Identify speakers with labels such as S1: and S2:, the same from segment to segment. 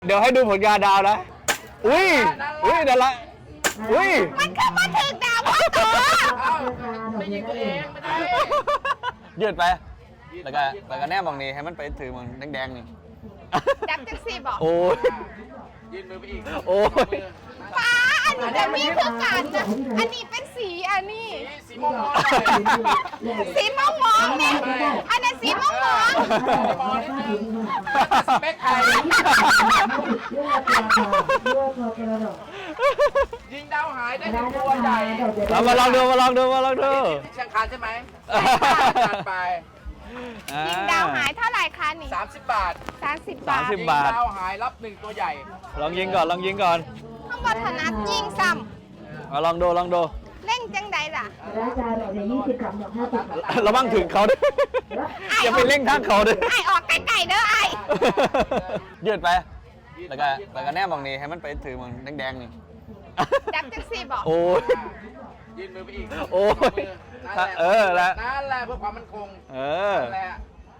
S1: เดี๋ยวให้ดูผลงานดาวนะอุ้ยเดี๋ยวละอุ้ย
S2: มันคือมาถึงดาวพ่อตัว
S3: ไม่ยิงตัวเองไม่ได้
S1: ยืดไปแล้วก็แนบมองนี้ให้มันไปถือมันแดงๆนี่
S2: ดับจังสีบอก
S1: โอ้ย
S3: ยืนมือไปอีก
S1: โอ้ย
S2: ฟ้าอันนี้จะมีคือการนะอันนี้เป็นสีอันนี้
S3: สีม่วง
S2: สีม่วงเนี่ยอันนั้นสีม่วง
S3: สเปคไทยยิงดาวหายได้1ตัวใหญ่
S1: เรามาลองดู
S3: เชียงคานใช่ไหมไป
S2: ยิงดาวหายเท่าไหร่คะนี่
S3: 30 บาท
S2: 30 บาท
S1: ยิงด
S3: าวหายรับ1ตัวใหญ่
S1: ลองยิงก่อน
S2: ข้างบนถนัดยิงซ้
S1: ำลองดู
S2: เล่งจังใดล่ะ
S1: ระวังถึงเขาด้วยอย่าไปเร่งทางเขาด้วย
S2: ไอออกไกลๆเด้อไอ
S1: ยืดไปแล้วก็แนบมองนี้ให้มันไปถือมันแดงๆนี่
S2: ดับจังสีบอก
S1: โอ้ย
S3: ยืนมือไปอีก
S1: โอ้ย
S3: นั่นแหละเพื่อความมั่นคงนั่นแหละ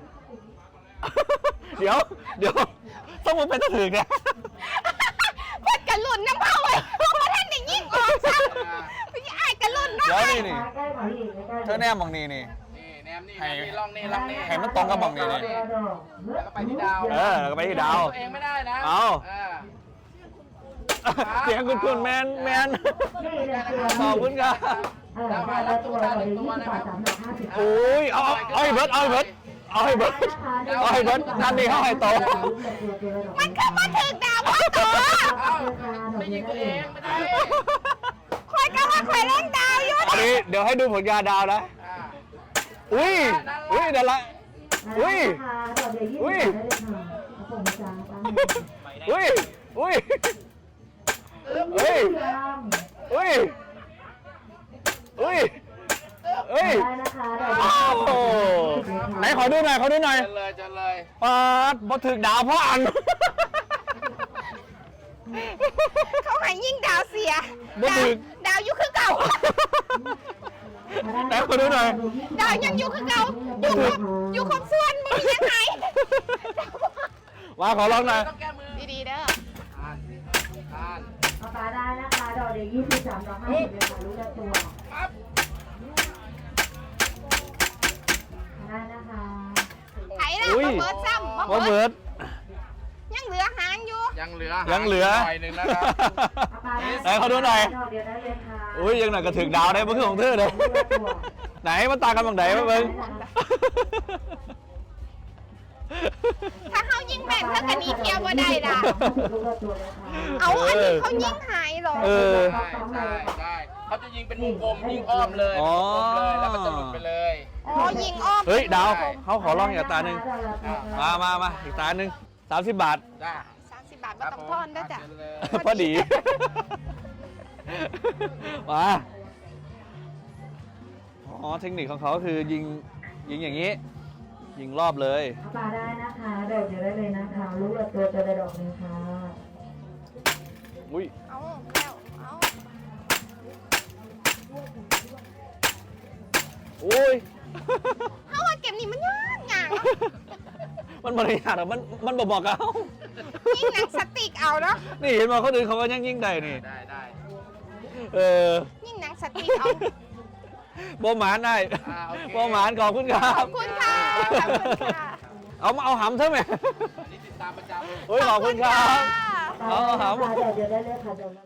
S1: เดี๋ยวต้องมันเป็นตะถึงเนี่ย
S2: พูดกันหลุนน้ำเผาเลยเพราะว่าท่านได้ยิ่งออกซ้ำพี่ไอ้กันหลุนนะ
S1: เดี๋ยวนี่เธอแนบมองนี้นี่
S3: แนมนี่ลองนี่
S1: ให้มันตรงกับมองนี้นี่
S3: แล้วก็ไปที่ดาว
S1: แล้วก็ไปที่ดาว
S3: ตัวเองไม่ได้นะ
S1: เอาเสียงคุณแมนขอบคุณครับ
S3: ดาวหายรับตัวละ1ตัวนะครับ
S1: โอ้ยเอาให้เบิร์ดนั่นนี่เขาให้โต
S2: มันคือมาถึงดาวพ่อตัว
S3: ไม่ยิงตัวเองไม่ได้
S2: คอยก็ว่าคอยเล่นดาวอยู่
S1: อันนี้เดี๋ยวให้ดูผลงานดาวนะอุ้ยเดี๋ยวละอุ้ยไหนขอดูหน่อย
S3: จะเลย
S1: ปาดบอถึงดาวเพราะอัน
S2: เขาให้ยิ่งดาวเสียดาวอยู่คือเก่า
S1: ไหนขอดูหน่อย
S2: ดาวยังอยู่คือเก่าอยู่ครบส่วนมึงยังไง
S1: ว่าขอลองหน่อย
S2: ดีๆเด้อ
S4: ปลาได้นะคะดอกเดียว23 ดอก50เลยค่ะรู้ละตัวได้นะคะ
S2: ไถละมาเบิร์ดซ้ำ
S1: มาเบิร์ด
S2: ยังเหลือหางอยู่
S1: ยังเหลือหน่อยนึงนะครับไหนเขาดูหน่อยอุ้ยยังหน่อยก็ถึงดาวได้เมื่อคืนของเธอเลยไหนมันตากันบังไหนมาเบิ้ง
S2: ถ้าเขายิงแม่นเท่ากันนี้เที่ยวบ่ได้ล่ะเอาอันนี้เขายิงหายหรอ
S3: ใช่เขาจะยิงเป็นวงกลมยิงอ้อมเลยแล้วมันจะหลุดไปเลย
S2: ยิงอ้อม
S1: เฮ้ยดาวเขาขอลองอีกตาหนึ่งมาอีกตาหนึ่ง30 บาท
S2: 30 บาทไม่ต้องทอนได้จ้ะ
S1: พอดีมาเทคนิคของเขาคือยิงอย่างนี้ยิงรอบเลย
S4: ปลาได้นะคะดอกเดียวได้เลยนะคะลูกละตัวจะได้ดอกนึงค่ะ
S1: อุ้ย
S2: เอาแล้ว
S1: โอ้ย
S2: เขาว่าเก็บนี่มันยาก
S1: มันบริหารหรอมันบอกเขา
S2: ยิ่งหนังสติกเอาเนาะ
S1: นี่เห็นมาเขาดึงเขาก็ยิ่งได้นี่
S3: ได้
S2: ยิ่งหนังสติกเอา
S1: โบหมานได้โบหมานขอบคุณครับ
S2: ขอบคุณค่ะ
S1: เอาหำใช่ไหม
S3: นี่ติดตามประจำ
S1: ขอบคุณครับเอาหำ
S4: เดี๋ยวได้เลยค่ะ